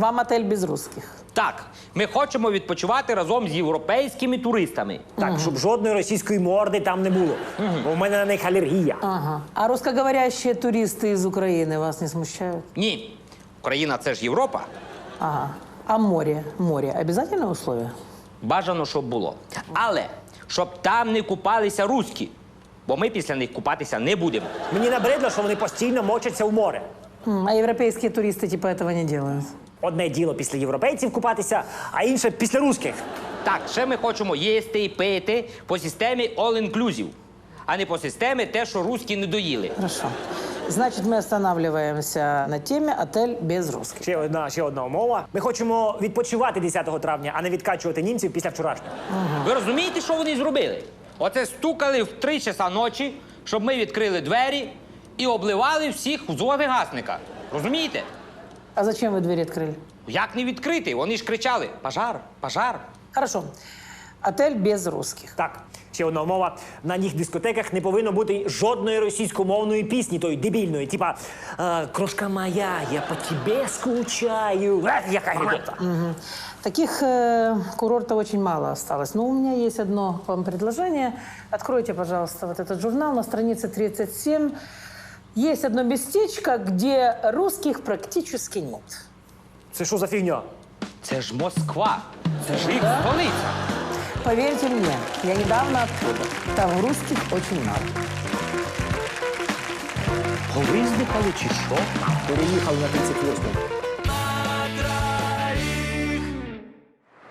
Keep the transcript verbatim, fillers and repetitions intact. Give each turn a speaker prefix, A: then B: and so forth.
A: вам отель без русских.
B: Так, ми хочемо відпочивати разом з європейськими туристами.
C: Так, щоб жодної російської морди там не було. Бо в мене на них алергія.
A: Ага. А русскоговорящие туристы из Украины вас не смущают?
B: Ні, Україна – це ж Європа.
A: Ага. А море? Море обязательное условие?
B: Бажано, щоб було. Але щоб там не купалися руські, бо ми після них купатися не будемо.
C: Мені набридло, що вони постійно мочаться в море.
A: М, А европейские туристы типа этого не делают?
C: Одне діло після європейців купатися, а інше після русських.
B: Так, ще ми хочемо їсти і пити по системі all-inclusive, а не по системі те, що руські не доїли.
A: Хорошо. Значит, мы останавливаемся на теме отель без русских.
C: Ще одна, ще одна умова. Ми хочемо відпочивати десятого травня, а не відкачувати німців після вчорашнього.
B: Ви розумієте, що вони зробили? Оце стукали в три часа ночі, щоб ми відкрили двері і обливали всіх з вогнегасника. Розумієте?
A: А зачем вы двери открыли?
B: Як не відкрити? Вони ж кричали: пожар, пожар.
A: Хорошо. Отель без русских.
C: Так, ще одна умова. На їх дискотеках не повинно бути жодної російськомовної пісні, тої дебільної, типа е, «Крошка моя, я по тебе скучаю». Е, яка гидота.
A: Таких э, курортов очень мало осталось. Но у меня есть одно к вам предложение. Откройте, пожалуйста, вот этот журнал на странице тридцать семь. Есть одно местечко, где русских практически нет.
C: Це що за фігня?
B: Це ж Москва, це ж їх
A: Да?
B: столиця.
A: Поверьте мне, я недавно оттуда. Там русских очень мало.
B: Повиздихали чи що?
C: Переїхали на тридцять восьму.